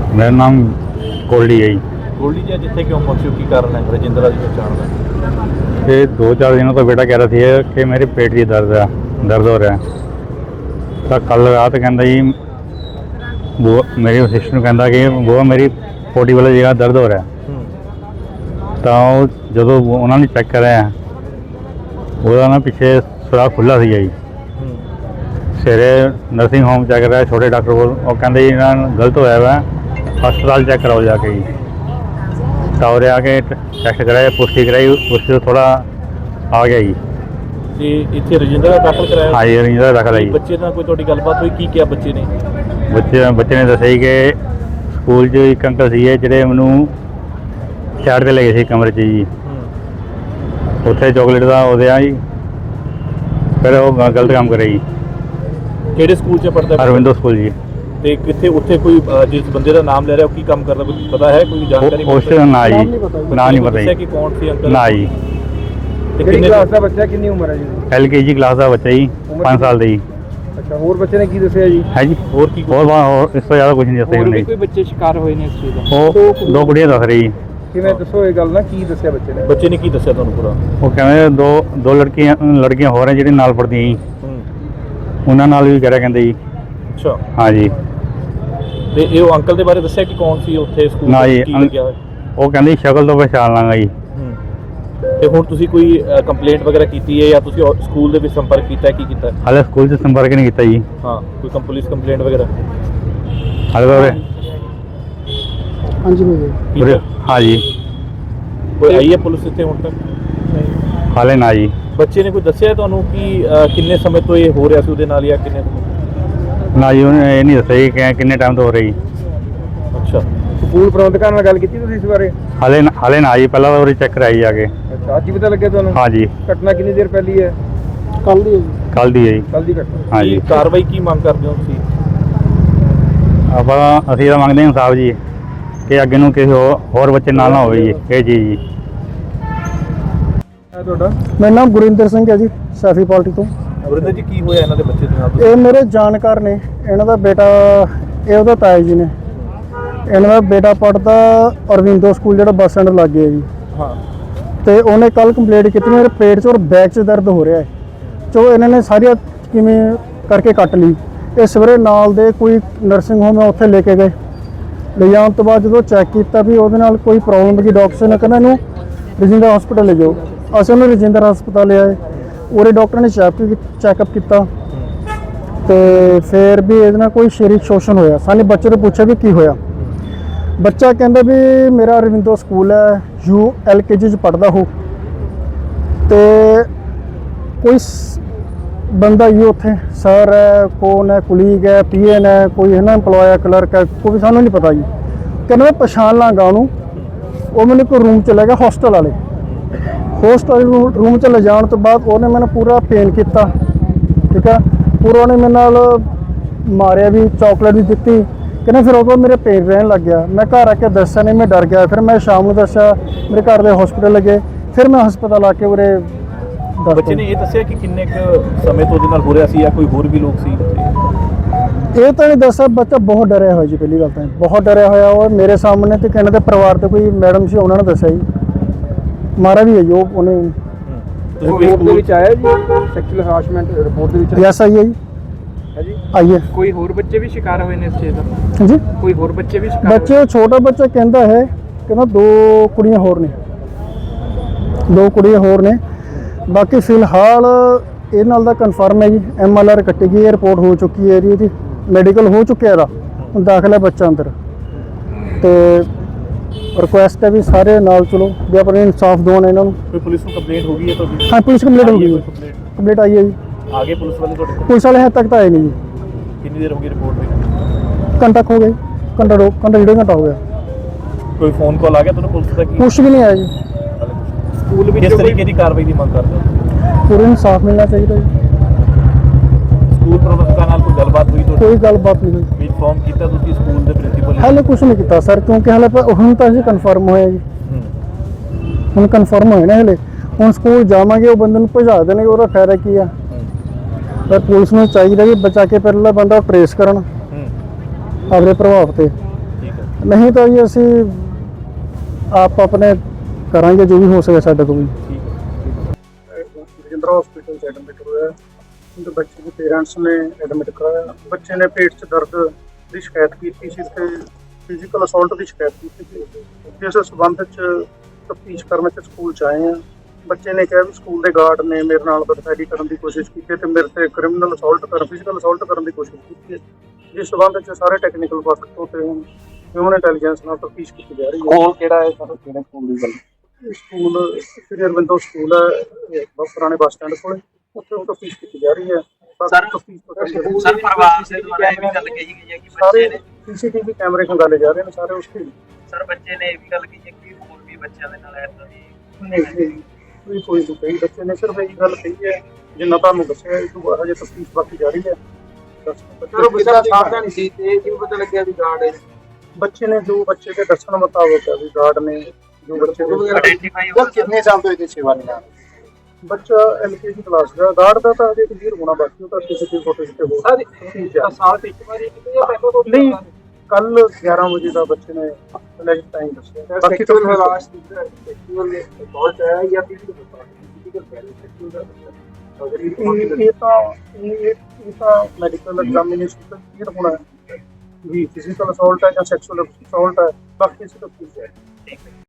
मेरा नाम गोल्डी है जी। गोल्डी जी जिथे क्यों पहुंचे की कारण है रजिंद्रा जी पहचान का? ये 2-4 दिनों तो बेटा कह रहा थी कि मेरे पेट की दर्द हो रहा है। तो कल रात कहता जी वो मेरी सिस्टर कहता कि वो मेरी पोटी वाली जगह दर्द हो रहा है। तो जो उन्होंने चेक कराया वो ना पिछे सुराख खुला सी जी। सवेरे नर्सिंग होम चेक कराया छोटे डॉक्टर को, और कहते जी इन्होंने गलत होया वा, हस्पताल चेक कराओ जाके जी। टावरे आके टेस्ट कराया, पुष्टि कराई, पुष्टि तो थोड़ा आ गया जी। ਤੇ ਇੱਥੇ ਰਜਿੰਦਰਾ ਦਾਖਲ ਕਰਾਇਆ? हाँ जी रंजिंदरा दाखिल है जी। ਬੱਚੇ ਨਾਲ ਕੋਈ ਤੁਹਾਡੀ ਗੱਲਬਾਤ ਹੋਈ? ਕੀ ਕਿਹਾ ਬੱਚੇ ਨੇ? ਬੱਚੇ ਨੇ ਦੱਸਿਆ ਜੀ ਕਿ ਸਕੂਲ 'ਚ ਇੱਕ ਅੰਕਲ ਸੀ ਜਿਹੜੇ ਮੈਨੂੰ ਸਾਈਡ 'ਤੇ ਲੈ ਗਏ ਸੀ ਕਮਰੇ 'ਚ ਜੀ। ਉੱਥੇ ਚੋਕਲੇਟ ਦਾ ਉਹਦੇ ਆ ਜੀ, ਫਿਰ ਉਹ ਗਲਤ ਕੰਮ ਕਰਿਆ ਜੀ। ਕਿਹੜੇ ਸਕੂਲ 'ਚ ਪੜ੍ਹਦਾ? ਅਰਵਿੰਦੋ ਸਕੂਲ ਜੀ। ਤੇ ਕਿੱਥੇ ਉੱਥੇ ਕੋਈ ਜਿਸ ਬੰਦੇ ਦਾ ਨਾਮ ਲੈ ਰਿਹਾ ਉਹ ਕੀ ਕੰਮ ਕਰਦਾ, ਕੁਝ ਪਤਾ ਹੈ? ਕੋਈ ਜਾਣਕਾਰੀ? ਉਸ ਦਾ ਨਾਂ ਜੀ, ਨਾਂ ਨਹੀਂ ਪਤਾ ਜੀ। ਕਿ ਕੌਣ ਸੀ ਅੰਕਲ? ਨਾ ਜੀ। ਤੇ ਕਿੰਨੀ ਕਿੰਨੇ ਕਲਾਸ ਦਾ ਬੱਚਾ, ਕਿੰਨੀ ਉਮਰ ਹੈ ਜੀ? LKG ਕਲਾਸ ਦਾ ਬੱਚਾ ਜੀ, 5 ਸਾਲ ਦਾ ਜੀ। ਅੱਛਾ, ਹੋਰ ਬੱਚੇ ਨੇ ਕੀ ਦੱਸਿਆ ਜੀ? ਹੈ ਜੀ। ਹੋਰ ਕੀ ਹੋਰ ਇਸ ਤੋਂ ਜ਼ਿਆਦਾ ਕੁਝ ਨਹੀਂ ਦੱਸਿਆ ਉਹਨੇ। ਕੋਈ ਬੱਚੇ ਸ਼ਿਕਾਰ ਹੋਏ ਨੇ ਇਸ ਚੀਜ਼ ਦਾ? ਉਹ 2 ਕੁੜੀਆਂ ਦੱਸ ਰਹੀ ਜੀ। ਕਿਵੇਂ ਦੱਸੋ ਇਹ ਗੱਲ ਨਾ, ਕੀ ਦੱਸਿਆ ਬੱਚੇ ਨੇ? ਬੱਚੇ ਨੇ ਕੀ ਦੱਸਿਆ ਤੁਹਾਨੂੰ ਪੂਰਾ? ਉਹ ਕਹਿੰਦੇ ਦੋ ਲੜਕੀਆਂ ਹੋਰ ਹੈ ਜਿਹੜੀਆਂ ਨਾਲ ਪੜ੍ਹਦੀਆਂ ਜੀ, ਉਹਨਾਂ ਨਾਲ ਵੀ ਕਰਿਆ ਕਹਿੰਦੇ ਜੀ। ਅੱਛਾ। ਹਾਂ ਜੀ। ਤੇ ਇਹ ਉਹ ਅੰਕਲ ਦੇ ਬਾਰੇ ਦੱਸਿਆ ਕਿ ਕੌਣ ਸੀ ਉੱਥੇ ਸਕੂਲ ਨਾ ਵਿੱਚ, ਜੀ, ਕੀ ਲੱਗਿਆ ਹੋਇਆ? ਉਹ ਕਹਿੰਦੇ ਸ਼ਕਲ ਤੋਂ ਪਛਾਣ ਲਾਂਗਾ ਜੀ। ਤੇ ਹੁਣ ਤੁਸੀਂ ਕੋਈ ਕੰਪਲੇਂਟ ਵਗੈਰਾ ਕੀਤੀ ਹੈ ਜਾਂ ਤੁਸੀਂ ਸਕੂਲ ਦੇ ਵਿੱਚ ਸੰਪਰਕ ਕੀਤਾ ਹੈ, ਕੀ ਕੀਤਾ ਹੈ? ਹਾਲੇ ਸਕੂਲ 'ਚ ਸੰਪਰਕ ਨਹੀਂ ਕੀਤਾ ਜੀ। ਹਾਂ, ਕੋਈ ਪੁਲਿਸ ਕੰਪਲੇਂਟ ਵਗੈਰਾ? ਹਾਲੇ ਤਾਂ ਹਾਂਜੀ ਉਰੇ ਹਾਂ ਜੀ। ਕੋਈ ਆਈ ਹੈ ਪੁਲਿਸ ਇੱਥੇ ਹੁਣ ਤੱਕ? ਹਾਲੇ ਨਾ ਜੀ। ਬੱਚੇ ਨੇ ਕੋਈ ਦੱਸਿਆ ਤੁਹਾਨੂੰ ਕਿ ਕਿੰਨੇ ਸਮੇਂ ਤੋਂ ਇਹ ਹੋ ਰਿਹਾ ਸੀ ਉਹਦੇ ਨਾਲ ਜਾਂ ਕਿੰਨੇ ਸਮੇਂ? ਨਾ ਜੀ, ਉਹਨੇ ਇਹ ਨਹੀਂ ਦੱਸਿਆ ਜੀ ਕਿ ਕਿੰਨੇ ਟਾਈਮ ਤੋਂ ਹੋ ਰਹੀ। ਅੱਛਾ। ਸਕੂਲ ਪ੍ਰਬੰਧਕਾਂ ਨਾਲ ਗੱਲ ਕੀਤੀ ਤੁਸੀਂ ਇਸ ਬਾਰੇ? ਹਾਲੇ ਨਾ ਜੀ, ਪਹਿਲਾਂ ਤਾਂ ਉਰੇ ਚੈੱਕ ਕਰਾਈ ਜਾ ਕੇ। ਅੱਛਾ, ਅੱਜ ਹੀ ਪਤਾ ਲੱਗਿਆ ਤੁਹਾਨੂੰ? ਹਾਂ ਜੀ। ਘਟਨਾ ਕਿੰਨੀ ਦੇਰ ਪਹਿਲੀ ਹੈ? ਕੱਲ ਦੀ ਹੈ ਜੀ। ਕੱਲ ਦੀ ਹੈ ਜੀ। ਕੱਲ ਦੀ ਘਟਨਾ। ਹਾਂ ਜੀ। ਕਾਰਵਾਈ ਕੀ ਮੰਗ ਕਰਦੇ ਹੋ ਤੁਸੀਂ? ਅਸੀਂ ਤਾਂ ਮੰਗਦੇ ਹਾਂ ਇਨਸਾਫ ਜੀ, ਕਿ ਅੱਗੇ ਨੂੰ ਕਿਸੇ ਹੋਰ ਬੱਚੇ ਨਾਲ ਨਾ ਹੋਵੇ ਜੀ ਇਹ ਚੀਜ਼ ਜੀ। ਤੁਹਾਡਾ? ਮੇਰਾ ਨਾਮ ਗੁਰਿੰਦਰ ਸਿੰਘ ਹੈ ਜੀ, ਸੈਫੀ ਪਾਰਟੀ ਤੋਂ। ਵਰਿੰਦਰ ਜੀ, ਕੀ ਹੋਇਆ ਇਹਨਾਂ ਦੇ ਬੱਚੇ ਦੇ ਨਾਲ? ਇਹ ਮੇਰੇ ਜਾਣਕਾਰ ਨੇ, ਇਹਨਾਂ ਦਾ ਬੇਟਾ, ਇਹ ਉਹਦਾ ਤਾਇਆ ਜੀ ਨੇ। ਇਹਨਾਂ ਦਾ ਬੇਟਾ ਪੜ੍ਹਦਾ ਅਰਵਿੰਦੋ ਸਕੂਲ ਜਿਹੜਾ ਬੱਸ ਸਟੈਂਡ ਲਾਗੇ ਹੈ ਜੀ। ਹਾਂ। ਤੇ ਉਹਨੇ ਕੱਲ ਕੰਪਲੇਂਟ ਕੀਤੀ ਮੇਰੇ ਪੇਟ 'ਚ ਔਰ ਬੈਕ 'ਚ ਦਰਦ ਹੋ ਰਿਹਾ ਹੈ। ਚੋ ਇਹਨਾਂ ਨੇ ਸਾਰੀਆਂ ਕਿਵੇਂ ਕਰਕੇ ਕੱਟ ਲਈ। ਇਹ ਸਵੇਰੇ ਨਾਲ ਦੇ ਕੋਈ ਨਰਸਿੰਗ ਹੋਮ ਹੈ ਉੱਥੇ ਲੈ ਕੇ ਗਏ। ਲੈ ਜਾਣ ਤੋਂ ਬਾਅਦ ਜਦੋਂ ਚੈੱਕ ਕੀਤਾ ਵੀ ਉਹਦੇ ਨਾਲ ਕੋਈ ਪ੍ਰੋਬਲਮ ਦੀ, ਡਾਕਟਰ ਨੇ ਕਹਿੰਦਾ ਇਹਨੂੰ ਰਜਿੰਦਰਾ ਹਸਪਤਾਲ ਲੈ ਜਾਓ। ਅਸੀਂ ਉਹਨੂੰ ਰਜਿੰਦਰਾ ਹਸਪਤਾਲ ਲਿਆਏ। ਉਹਦੇ ਡਾਕਟਰ ਨੇ ਚੈੱਕਅਪ ਕੀਤਾ ਤੇ ਫਿਰ ਵੀ ਇਹਦੇ ਨਾਲ ਕੋਈ ਸਰੀਰਕ ਸ਼ੋਸ਼ਣ ਹੋਇਆ। ਸਾਨੂੰ ਬੱਚੇ ਤੋਂ ਪੁੱਛਿਆ ਵੀ ਕੀ ਹੋਇਆ। ਬੱਚਾ ਕਹਿੰਦਾ ਵੀ ਮੇਰਾ ਅਰਵਿੰਦੋ ਸਕੂਲ ਹੈ, LKG 'ਚ ਪੜ੍ਹਦਾ ਹੋ, ਤੇ ਕੋਈ ਬੰਦਾ ਹੀ ਉੱਥੇ ਸਰ ਹੈ, ਕੌਣ ਹੈ, ਕੁਲੀਗ ਹੈ, PN ਹੈ, ਕੋਈ ਹੈ ਨਾ ਇੰਪਲੋਏ ਹੈ, ਕਲਰਕ ਹੈ, ਕੋਈ ਸਾਨੂੰ ਨਹੀਂ ਪਤਾ ਜੀ। ਕਹਿੰਦਾ ਮੈਂ ਪਛਾਣ ਲਾਂਗਾ ਉਹਨੂੰ। ਉਹ ਮੈਨੂੰ ਕੋਈ ਰੂਮ 'ਚ ਲੈ ਗਿਆ, ਹੋਸਟਲ ਵਾਲੇ ਰੂਮ 'ਚ ਲੈ ਜਾਣ ਤੋਂ ਬਾਅਦ ਉਹਨੇ ਮੈਨੂੰ ਪੂਰਾ ਪੇਨ ਕੀਤਾ, ਠੀਕ ਹੈ। ਪੂਰਾ ਉਹਨੇ ਮੇਰੇ ਨਾਲ ਮਾਰਿਆ ਵੀ, ਚਾਕਲੇਟ ਵੀ ਦਿੱਤੀ। ਕਹਿੰਦਾ ਫਿਰ ਉਹ ਮੇਰੇ ਪੇਨ ਰਹਿਣ ਲੱਗ ਗਿਆ। ਮੈਂ ਘਰ ਆ ਕੇ ਦੱਸਿਆ ਨਹੀਂ, ਮੈਂ ਡਰ ਗਿਆ। ਫਿਰ ਮੈਂ ਸ਼ਾਮ ਨੂੰ ਦੱਸਿਆ, ਮੇਰੇ ਘਰ ਦੇ ਹਸਪੀਟਲ ਲੱਗੇ। ਫਿਰ ਮੈਂ ਹਸਪਤਾਲ ਆ ਕੇ ਉਰੇ ਬੱਚੇ ਨੇ ਇਹ ਦੱਸਿਆ ਕਿ ਕਿੰਨੇ ਕੁ ਸਮੇਂ ਤੋਂ ਉਹਦੇ ਨਾਲ ਹੋ ਰਿਹਾ ਸੀ ਜਾਂ ਕੋਈ ਹੋਰ ਵੀ ਲੋਕ ਸੀ ਉੱਥੇ? ਇਹ ਤਾਂ ਨਹੀਂ ਦੱਸਿਆ। ਬੱਚਾ ਬਹੁਤ ਡਰਿਆ ਹੋਇਆ ਜੀ, ਪਹਿਲੀ ਗੱਲ ਤਾਂ ਬਹੁਤ ਡਰਿਆ ਹੋਇਆ। ਉਹ ਮੇਰੇ ਸਾਹਮਣੇ ਤੇ ਕਹਿੰਦੇ ਪਰਿਵਾਰ ਤੇ ਕੋਈ ਮੈਡਮ ਸੀ, ਉਹਨਾਂ ਨੇ ਦੱਸਿਆ ਜੀ ਮਾਰਾ ਵੀ ਹੈ ਜੀ ਉਹਨੇ। ਰਿਪੋਰਟ ਦੇ ਵਿੱਚ ਆਇਆ ਜੀ ਸੈਕਸ਼ੂਅਲ ਹਰਾਸਮੈਂਟ ਰਿਪੋਰਟ ਦੇ ਵਿੱਚ? ਯੈਸ ਆਈ ਹੈ ਜੀ। ਹੈ ਜੀ। ਆਈ ਹੈ। ਕੋਈ ਹੋਰ ਬੱਚੇ ਵੀ ਸ਼ਿਕਾਰ ਹੋਏ ਨੇ ਇਸ ਚੀਜ਼ ਦਾ? ਹਾਂਜੀ, ਕੋਈ ਹੋਰ ਬੱਚੇ ਵੀ ਸ਼ਿਕਾਰ? ਬੱਚੇ ਛੋਟਾ ਬੱਚਾ ਕਹਿੰਦਾ ਹੈ, ਕਹਿੰਦਾ 2 ਕੁੜੀਆਂ ਹੋਰ ਨੇ, 2 ਕੁੜੀਆਂ ਹੋਰ ਨੇ। ਬਾਕੀ ਫਿਲਹਾਲ ਇਹ ਨਾਲ ਦਾ ਕਨਫਰਮ ਹੈ ਜੀ। MLR ਕੱਟੀ ਗਈ ਹੈ, ਰਿਪੋਰਟ ਹੋ ਚੁੱਕੀ ਹੈ ਇਹਦੀ, ਮੈਡੀਕਲ ਹੋ ਚੁੱਕਿਆ ਇਹਦਾ, ਹੁਣ ਦਾਖਲ ਹੈ ਬੱਚਾ ਅੰਦਰ। ਤੇ ਰਿਕੁਐਸਟ ਹੈ ਵੀ ਸਾਰੇ ਨਾਲ ਚਲੋ, ਵੀ ਆਪਣੇ ਇਨਸਾਫ ਦਿਵਾਉਣ ਇਹਨਾਂ ਨੂੰ। ਕੋਈ ਪੁਲਿਸ ਨੂੰ ਕੰਪਲੇਂਟ ਹੋ ਗਈ ਹੈ ਤੁਹਾਡੀ? ਹਾਂ, ਪੁਲਿਸ ਕੰਪਲੇਂਟ ਹੋ ਗਈ ਹੈ, ਕੰਪਲੇਂਟ ਆਈ ਹੈ ਜੀ। ਆਗੇ ਪੁਲਿਸ ਵਾਲੇ ਤੁਹਾਡੇ? ਪੁਲਿਸ ਵਾਲੇ ਹੱਦ ਤੱਕ ਤਾਂ ਆਏ ਨਹੀਂ ਜੀ। ਕਿੰਨੀ ਦੇਰ ਹੋ ਗਈ ਰਿਪੋਰਟ ਹੋਈ? ਘੰਟਾ ਹੋ ਗਿਆ, ਘੰਟਾ 1.5 ਘੰਟਾ ਹੋ ਗਿਆ। ਕੋਈ ਫੋਨ ਕਾਲ ਆ ਗਿਆ ਤੁਹਾਨੂੰ ਪੁਲਿਸ ਦਾ? ਕੀ ਕੁਛ ਵੀ ਨਹੀਂ ਆਇਆ ਜੀ। ਸਕੂਲ ਵਿੱਚ ਕਿਸ ਤਰੀਕੇ ਦੀ ਕਾਰਵਾਈ ਦੀ ਮੰਗ ਕਰਦੇ ਹੋ? ਪੂਰੇ ਇਨਸਾਫ ਮਿਲਣਾ ਚਾਹੀਦਾ ਜੀ। ਸਕੂਲ ਪ੍ਰਬੰਧਕਾਂ ਨਾਲ ਕੋਈ ਗੱਲਬਾਤ ਹੋਈ ਤੁਹਾਡੀ? ਕੋਈ ਗੱਲਬਾਤ ਨਹੀਂ ਹੋਈ। ਵੀ ਇਨਫੋਰਮ ਕੀਤਾ ਤੁਸੀਂ ਸਕੂਲ ਦੇ ਪ੍ਰਿੰਸੀਪਲ? ਹਾਲੇ ਕੁਛ ਨਹੀਂ ਕੀਤਾ ਸਰ, ਕਿਉਂਕਿ ਹਾਲੇ ਹੁਣ ਤਾਂ ਅਸੀਂ ਕਨਫਰਮ ਹੋਇਆ ਜੀ। ਹੁਣ ਕਨਫਰਮ ਹੋਇਆ ਨਾ, ਹਲੇ ਹੁਣ ਸਕੂਲ ਜਾਵਾਂਗੇ, ਉਹ ਬੰਦੇ ਨੂੰ ਭਜਾ ਦੇਣਗੇ, ਉਹਦਾ ਫਾਇਦਾ ਕੀ ਆ। ਪਰ ਪੁਲਿਸ ਨੂੰ ਚਾਹੀਦਾ ਵੀ ਬਚਾ ਕੇ ਪਹਿਲਾਂ ਬੰਦਾ ਟਰੇਸ ਕਰਨ ਆਪਣੇ ਪ੍ਰਭਾਵ ਤੇ। ਨਹੀਂ ਤਾਂ ਜੀ ਅਸੀਂ ਆਪ ਆਪਣੇ ਕਰਾਂਗੇ ਜੋ ਵੀ ਹੋ ਸਕੇ ਸਾਡੇ ਤੋਂ ਵੀ। ਰਜਿੰਦਰਾ ਹਸਪੀਟਲ 'ਚ ਐਡਮਿਟ ਹੋਇਆ। ਉਹਦੇ ਬੱਚੇ ਦੇ ਪੇਰੈਂਟਸ ਨੇ ਐਡਮਿਟ ਕਰਾਇਆ। ਬੱਚੇ ਨੇ ਪੇਟ 'ਚ ਦਰਦ ਦੀ ਸ਼ਿਕਾਇਤ ਕੀਤੀ ਸੀ ਤੇ ਫਿਜ਼ੀਕਲ ਅਸੌਲਟ ਦੀ ਸ਼ਿਕਾਇਤ ਕੀਤੀ ਸੀ, ਜਿਸ ਸਬੰਧ 'ਚ ਤਫਤੀਸ਼ ਕਰਨ 'ਚ ਸਕੂਲ 'ਚ ਆਏ ਹਾਂ। ਬੱਚੇ ਨੇ ਕਿਹਾ ਵੀ ਸਕੂਲ ਦੇ ਗਾਰਡ ਨੇ ਮੇਰੇ ਨਾਲ ਬਦਫੈਲੀ ਕਰਨ ਦੀ ਕੋਸ਼ਿਸ਼ ਕੀਤੀ ਤੇ ਮੇਰੇ ਤੇ ਕ੍ਰਿਮੀਨਲ ਅਸੌਲਟ ਫਿਜ਼ੀਕਲ ਅਸੌਲਟ ਕਰਨ ਦੀ ਕੋਸ਼ਿਸ਼ ਕੀਤੀ ਹੈ, ਜਿਸ ਸਬੰਧ 'ਚ ਸਾਰੇ ਟੈਕਨੀਕਲ ਪੱਖ ਤੋਂ ਤੇ ਹਿਊਮਨ ਇੰਟੈਲੀਜੈਂਸ ਨਾਲ ਤਫਤੀਸ਼ ਕੀਤੀ ਜਾ ਰਹੀ ਹੈ। ਸਕੂਲ ਕਿਹੜਾ ਹੈ ਸਰ, ਕਿਹੜੇ ਸਕੂਲ ਦੀ ਗੱਲ? ਇਹ ਸਕੂਲ ਸ੍ਰੀ ਅਰਵਿੰਦੋ ਸਕੂਲ ਹੈ, ਪੁਰਾਣੇ ਬੱਸ ਸਟੈਂਡ ਕੋਲ, ਉੱਥੇ ਤਫਤੀਸ਼ ਕੀਤੀ ਜਾ ਰਹੀ ਹੈ। ਸਰ ਪਰਿਵਾਰ ਦੇ ਦੁਆਰਾ ਇਹ ਵੀ ਗੱਲ ਕਹੀ ਗਈ ਹੈ ਕਿ ਸਾਰੇ ਬੱਚੇ ਨੇ ਸੀਸੀਟੀਵੀ ਕੈਮਰੇ ਖੰਗਾਲੇ ਜਾ ਰਹੇ ਨੇ ਸਾਰੇ ਉਸ ਤੇ। ਸਰ ਬੱਚੇ ਨੇ ਇਹ ਵੀ ਗੱਲ ਕਹੀ ਹੈ ਕਿ ਹੋਰ ਵੀ ਬੱਚਿਆਂ ਦੇ ਨਾਲ ਏਦਾਂ ਦੀ ਕੋਈ ਨਹੀਂ ਕਹੀ, ਬੱਚੇ ਨੇ ਸਿਰਫ ਇਹ ਗੱਲ ਕਹੀ ਹੈ ਜਿੰਨਾ ਤੁਹਾਨੂੰ ਦੱਸਿਆ। ਇਹ ਤੋਂ ਹਜੇ ਤਫਤੀਸ਼ ਬਾਕੀ ਜਾਰੀ ਹੈ। ਬੱਚਾ ਸਾਵਧਾਨ ਸੀ ਤੇ ਇਹ ਕਿਵੇਂ ਪਤਾ ਲੱਗਿਆ ਵੀ ਗਾਰਡ ਹੈ? ਬੱਚੇ ਨੇ ਜੋ ਬੱਚੇ ਦੇ ਦੱਸਣ ਮੁਤਾਬਕ ਹੈ ਵੀ ਗਾਰਡ ਨੇ ਜੋ ਬੱਚੇ ਦੇ ਆਇਡੈਂਟੀਫਾਈ ਹੋ ਕਿੰਨੇ ਸਾਲ ਤੋਂ ਇਹਦੀ ਸੇਵਾ ਨਿਭਾ ਰਹੇ? ਬੱਚਾ ਐਲਕੇਜੀ ਕਲਾਸ ਦਾ, ਗਾਰਡ ਦਾ ਤਾਂ ਅਜੇ ਕਲੀਅਰ ਹੋਣਾ ਬਾਕੀ, ਉਹ ਤਾਂ ਸੀਸੀਟੀਵੀ ਫੁਟੇਜ ਤੇ ਹੋ ਸਾਲ ਤੇ ਇੱਕ ਵਾਰੀ ਕਿਤੇ ਜਾਂ ਪਹਿਲਾਂ ਤੋਂ ਨਹੀਂ। ਕੱਲ 11 ਵਜੇ ਦਾ ਬੱਚੇ ਨੇ ਅਲੈਕਟ ਟਾਈਮ ਦੱਸਿਆ। ਬਾਕੀ ਤਾਂ ਸੈਕਚੁਅਲ ਹਰਾਸ ਸੈਕਚੁਅਲ ਅਸੌਲਟ ਹੈ ਜਾਂ ਫਿਜ਼ੀਕਲ ਇਹ ਤਾਂ ਮੈਡੀਕਲ ਐਗਜ਼ਾਮੀਨੇਸ਼ਨ ਤੋਂ ਕਲੀਅਰ ਹੋਣਾ ਹੈ ਵੀ ਫਿਜ਼ੀਕਲ ਅਸੌਲਟ ਹੈ ਜਾਂ ਸੈਕਸ਼ੂਅਲ ਅਸੌਲਟ ਹੈ। ਬਾਕੀ ਸਿਰਫ